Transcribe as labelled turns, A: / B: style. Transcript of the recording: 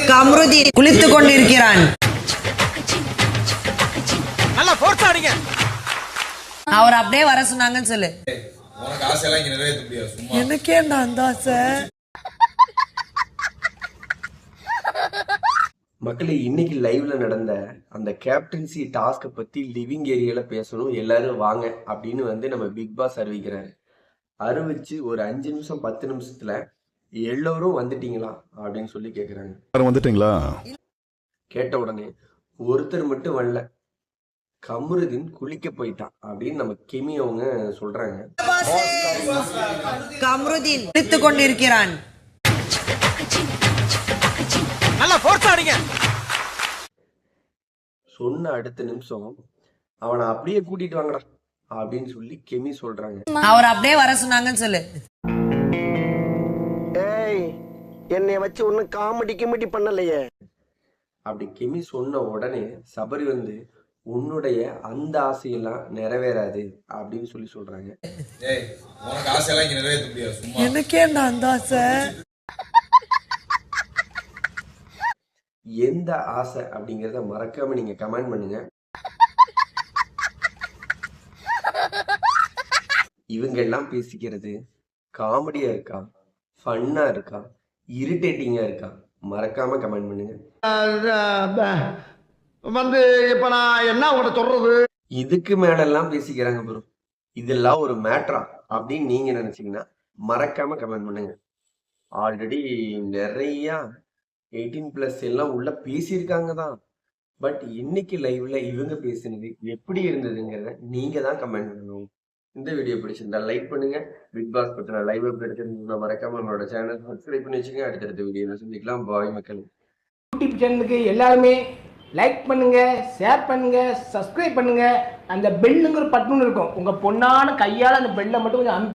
A: கம்ருதி குளித்துக் கொண்டிருக்கிறான்.
B: நல்லா ஃபோர்ஸ் ஆடுங்க.
A: அவர் அப்படியே வர சொன்னாங்கன்னு சொல்லு.
C: உனக்கு ஆசையெல்லாம் இங்க நிறைவேற்ற முடியாது. சும்மா
A: எனக்கேண்டா அந்த ஆசை.
D: மக்களே, இன்னைக்கு லைவ்ல நடந்த அந்த கேப்டன்சி டாஸ்கை பத்தி லிவிங் ஏரியால பேசணும், எல்லாரும் வாங்க அப்படின்னு நம்ம பிக் பாஸ் அறிவிக்கிறாரு. அறிவிச்சு ஒரு 5 நிமிஷம் 10 நிமிஷத்துல எல்லோரும் வந்துட்டீங்களா அப்படின்னு சொல்லி கேக்குறாங்க.
E: வந்துட்டீங்களா
D: கேட்ட உடனே ஒருத்தர் மட்டும் வரல, கம்ருதீன் குளிக்க போயிட்டான் அப்படின்னு நம்ம கெமி அவங்க சொல்றாங்க.
A: கம்ருதீன் குளித்துக் கொண்டிருக்கிறான்.
B: நல்லா ஃபோர்ஸ் ஆடுங்க.
D: சொன்ன அடுத்த நிமிஷம் அவனை அப்படியே கூட்டிட்டு வாங்கடா அப்படின்னு சொல்லி கெமி சொல்றாங்க.
A: அவர் அப்படியே வர சொன்னாங்கன்னு சொல்லு.
F: ஏய், என்னைய வச்சு ஒன்னும் காமெடி பண்ணலையே.
D: அப்படி கெமி சொன்ன உடனே சபரி உன்னுடைய அந்த ஆசையெல்லாம் நிறைவேறாது அப்படின்னு சொல்லி சொல்றாங்க.
C: ஏய், உனக்கு ஆசையெல்லாம் இங்க நிறைவேற்ற முடியாது. சும்மா
A: எனக்கேண்டா அந்த ஆசை.
D: எந்த ஆசை அப்படிங்கறத மறக்காம நீங்க கமெண்ட் பண்ணுங்க. இவங்க எல்லாம் பேசிக்கிறது காமெடியா இருக்கா, ஃபன்னா இருக்கா, இரிட்டேட்டிங்கா இருக்கா? மறக்காம கமெண்ட் பண்ணுங்க.
F: இப்ப நான் என்ன உங்கள்ட்ட சொல்றது?
D: இதுக்கு மேலெல்லாம் பேசிக்கிறாங்க ப்ரோ, இதெல்லாம் ஒரு மேட்ரா அப்படின்னு நீங்க நினைச்சீங்கன்னா மறக்காம கமெண்ட் பண்ணுங்க. ஆல்ரெடி நிறைய 18+ எல்லாம் உள்ள பேசியிருக்காங்க தான். பட் இன்னைக்கு லைவ்ல இவங்க பேசினது எப்படி இருந்ததுங்கிறத நீங்க தான் கமெண்ட் பண்ணணும். இந்த வீடியோ பிடிச்சிருந்தா லைக் பண்ணுங்க. பிக் பாஸ் பத்தின லைவ் எடுத்துருந்தா மறக்காம நம்மளோட சேனல் சப்ஸ்கிரைப் பண்ணி வச்சுங்க. அடுத்தடுத்த வீடியோல சந்திக்கலாம். பாய் மக்கள்.
G: யூடியூப் சேனலுக்கு எல்லாருமே லைக் பண்ணுங்க, ஷேர் பண்ணுங்க, சப்ஸ்கிரைப் பண்ணுங்க. அந்த பெல்லுங்கிற பட்டன் இருக்கும், உங்க பொண்ணான கையால் அந்த பெல்லை மட்டும் கொஞ்சம்